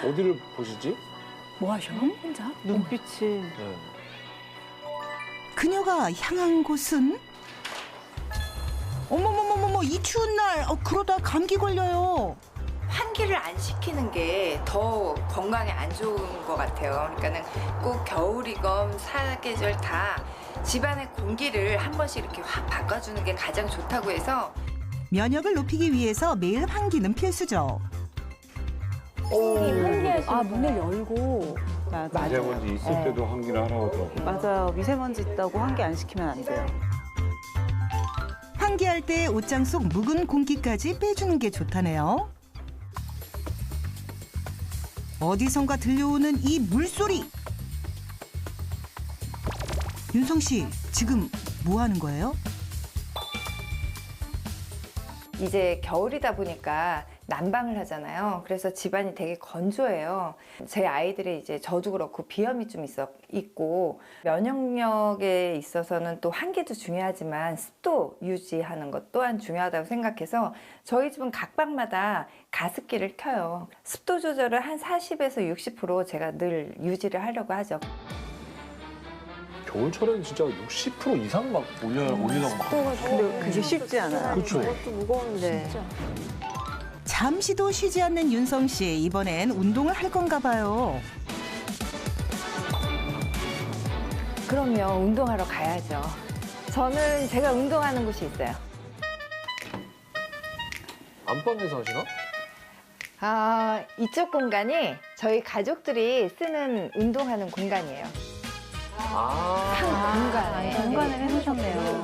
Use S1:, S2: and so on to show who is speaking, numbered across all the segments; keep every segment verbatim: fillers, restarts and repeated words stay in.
S1: 어디를 보시지?
S2: 뭐 하셔? 혼자?
S3: 눈빛이.
S1: 네.
S4: 그녀가 향한 곳은 어머머머머머 이 추운 날 어, 그러다 감기 걸려요.
S5: 환기를 안 시키는 게 더 건강에 안 좋은 것 같아요. 그러니까는 꼭 겨울이건 사계절 다 집안의 공기를 한 번씩 이렇게 확 바꿔주는 게 가장 좋다고 해서
S4: 면역을 높이기 위해서 매일 환기는 필수죠.
S2: 아, 문을 열고.
S3: 맞아.
S6: 미세먼지 있을
S2: 네.
S6: 때도 환기를 하라고 하더라고요.
S3: 맞아요. 미세먼지 있다고 환기 안 시키면 안 돼요.
S4: 환기할 때 옷장 속 묵은 공기까지 빼주는 게 좋다네요. 어디선가 들려오는 이 물소리. 윤성 씨, 지금 뭐 하는 거예요?
S5: 이제 겨울이다 보니까 난방을 하잖아요. 그래서 집안이 되게 건조해요. 제 아이들이 이제 저도 그렇고 비염이 좀 있어 있고 면역력에 있어서는 또 환기도 중요하지만 습도 유지하는 것 또한 중요하다고 생각해서 저희 집은 각 방마다 가습기를 켜요. 습도 조절을 한 사십에서 육십 퍼센트 제가 늘 유지를 하려고 하죠.
S1: 겨울철에는 진짜 육십 퍼센트 이상 막 올려, 올리려고 막.
S3: 근데 그게 쉽지 않아요.
S1: 그렇죠.
S2: 그것도 무거운데.
S4: 잠시도 쉬지 않는 윤성 씨, 이번엔 운동을 할 건가 봐요.
S5: 그러면 운동하러 가야죠. 저는 제가 운동하는 곳이 있어요.
S1: 안방에서 하시나?
S5: 아, 이쪽 공간이 저희 가족들이 쓰는 운동하는 공간이에요.
S1: 아.
S5: 한 공간에.
S2: 공간을 해놓으셨네요.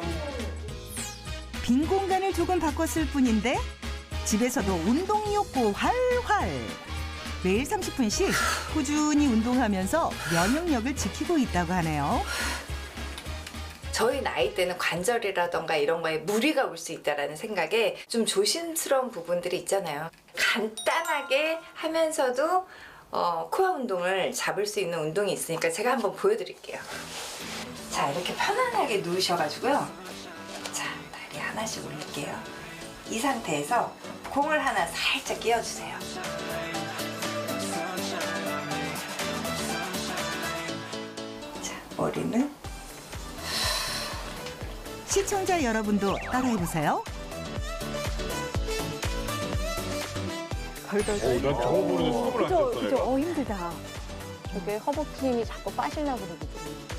S4: 빈 공간을 조금 바꿨을 뿐인데 집에서도 운동 욕구 활활. 매일 삼십 분씩 꾸준히 운동하면서 면역력을 지키고 있다고 하네요.
S5: 저희 나이 때는 관절이라던가 이런 거에 무리가 올 수 있다라는 생각에 좀 조심스러운 부분들이 있잖아요. 간단하게 하면서도 어, 코어 운동을 잡을 수 있는 운동이 있으니까 제가 한번 보여드릴게요. 자, 이렇게 편안하게 누우셔가지고요. 자, 다리 하나씩 올릴게요. 이 상태에서 공을 하나 살짝 끼워주세요. 자, 머리는
S4: 시청자 여러분도 따라해보세요.
S6: 어, 난 저거 보는데 숨을 안
S2: 그죠,
S6: 쉬었어,
S2: 그죠.
S6: 내가.
S2: 어, 힘들다. 저게 허벅지 힘이 자꾸 빠지려고 그러거든요.